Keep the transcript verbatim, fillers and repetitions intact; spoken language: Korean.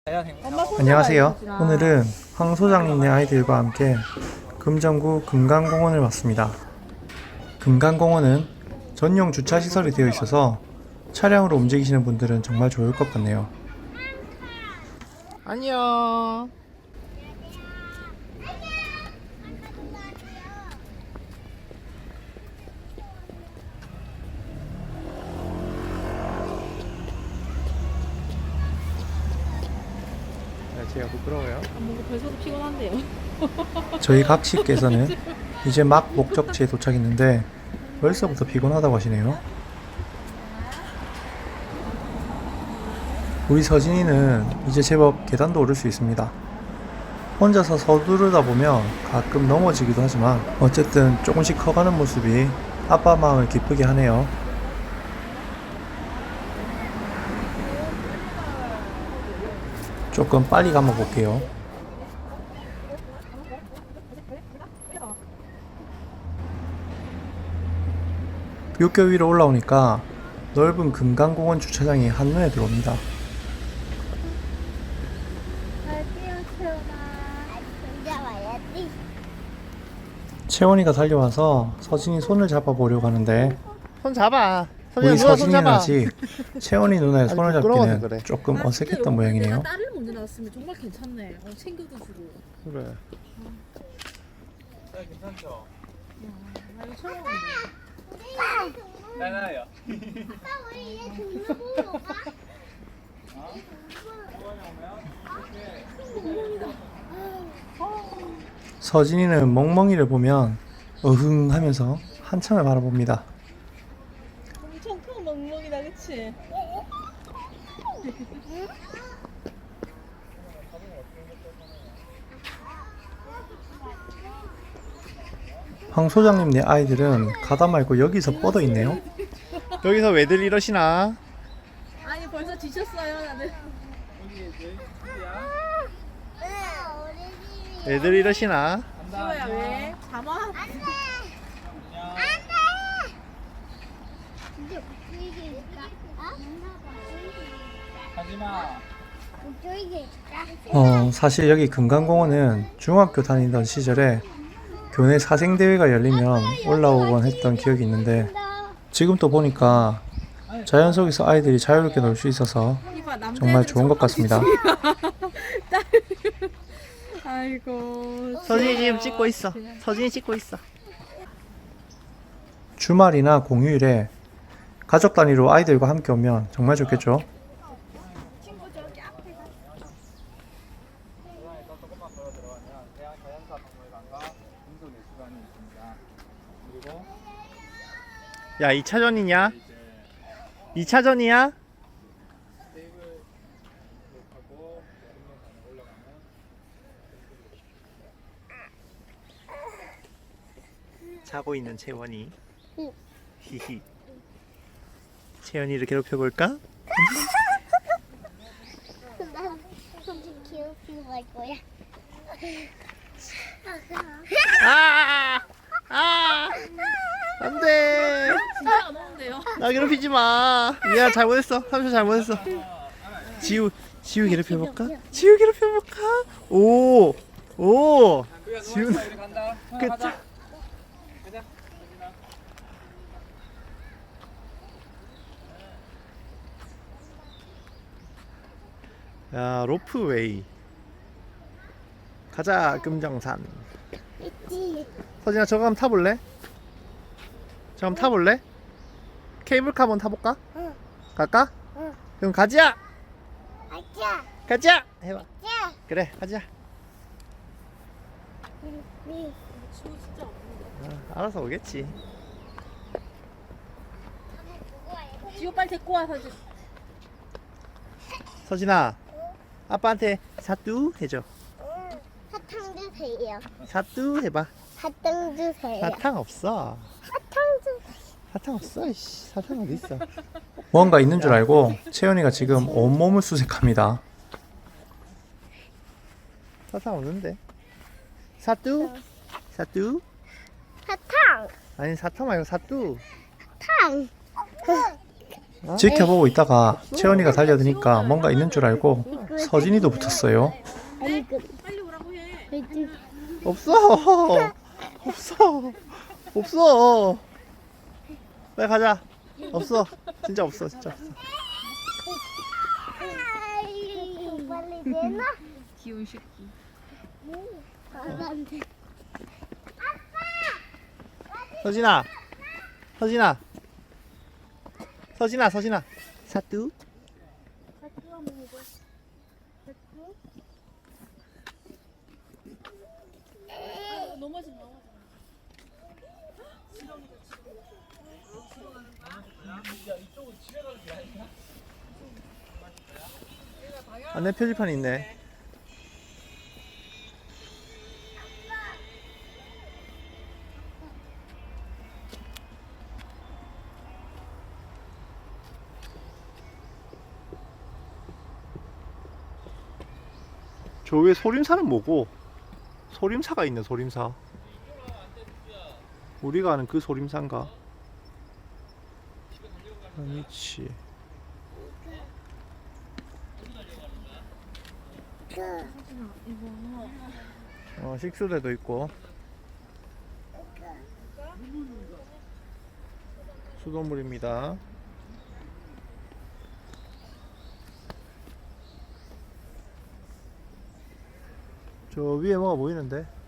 안녕하세요. 오늘은 황 소장님네 아이들과 함께 금정구 금강공원을 왔습니다. 금강공원은 전용 주차시설이 되어 있어서 차량으로 움직이시는 분들은 정말 좋을 것 같네요. 안녕. 제가 부끄러워요. 뭔가 벌써도 피곤한데요. 저희 각시께서는 이제 막 목적지에 도착했는데 벌써부터 피곤하다고 하시네요. 우리 서진이는 이제 제법 계단도 오를 수 있습니다. 혼자서 서두르다 보면 가끔 넘어지기도 하지만 어쨌든 조금씩 커가는 모습이 아빠 마음을 기쁘게 하네요. 조금 빨리 감아 볼게요. 육교 위로 올라오니까 넓은 금강공원 주차장이 한눈에 들어옵니다. 채원이가 달려와서 서진이 손을 잡아보려고 하는데 손 잡아. 우리 누나 손 서진이는 잡아. 아직 채원이 누나의 아니, 손을 부끄러워서 잡기는 그래. 조금 아, 어색했던 근데 모양이네요. 내가 딸을 먼저 낳았으면 정말 괜찮네. 어, 챙겨도 주고. 그래. 괜찮죠? 나 이거 처음 왔는데. 나나요. 서진이는 멍멍이를 보면 어흥 하면서 한참을 바라봅니다. 엄청 큰 멍멍이다, 그치? 황 소장님네 아이들은 가다 말고 여기서 뻗어 있네요. 여기서 왜들 이러시나? 아니, 벌써 지쳤어요, 나는. 왜들 이러시나? 지호야, 왜? 잠아? 하지마. 어, 사실 여기 금강공원은 중학교 다니던 시절에 교내 사생대회가 열리면 올라오곤 했던 기억이 있는데 지금 또 보니까 자연 속에서 아이들이 자유롭게 놀 수 있어서 이봐, 남자애들은 정말 좋은 것 같습니다. 아이고. 서진이 지금 찍고 있어. 서진이 찍고 있어. 주말이나 공휴일에 가족 단위로 아이들과 함께 오면 정말 좋겠죠. 조금만 걸어 들어가면 대한 자연사 박물관과 국립미술관이 있습니다. 그리고 야, 이 차전이냐? 이제 이 차전이야? 테이블 하고 국립미술관에 올라가면 자고 있는 채원이. 히히. 채원이를 괴롭혀 볼까? 나 손좀 귀엽게 갈 거야. 아! 아! 안 돼. 진짜 안 오는데요? 나 괴롭히지 마. 미안, 잘못했어. 삼촌 잘못했어. 지우, 지우 괴롭혀 볼까? 지우 괴롭혀 볼까? 오! 오! 지우. 우리 간다. 끝. 가자. 가자. 야, 로프웨이. 가자, 금정산. 있지. 서진아, 저거 한번 타볼래? 저거 한번 타볼래? 케이블카 한번 타볼까? 응. 갈까? 응. 그럼 가자! 아자. 가자! 해봐. 자. 그래, 가자. 미. 지호 진짜 안 오는데. 아, 알아서 오겠지. 지호 빨리 데리고 와, 사진. 서진아, 아빠한테 사뚜 해줘. 사탕 주세요. 사뚜 해봐. 사탕 주세요. 사탕 없어. 사탕 주세요. 사탕 없어. 이씨, 사탕 어디 있어? 뭔가 있는 줄 알고 채연이가 지금 온몸을 수색합니다. 사탕 없는데. 사뚜? 사뚜? 사탕. 아니, 사탕 말고 사뚜. 탕. 지켜보고 있다가 채원이가 달려드니까 뭔가 있는 줄 알고 서진이도 붙었어요. 아니 그 빨리 오라고 해. 없어. 없어. 없어. 빨리 가자. 없어. 진짜 없어. 진짜 없어. 빨리 내놔. 귀여운 새끼. 안 돼. 서진아. 서진아. 서진아. 서진아. 사뚜. 넘어진 넘어진. 안내 표지판이 있네. 저 위에 소림사는 뭐고? 소림사가 있네. 소림사. 우리가 아는 그 소림사인가? 아니지. 어, 식수대도 있고 수돗물입니다. 저 위에 뭐가 보이는데?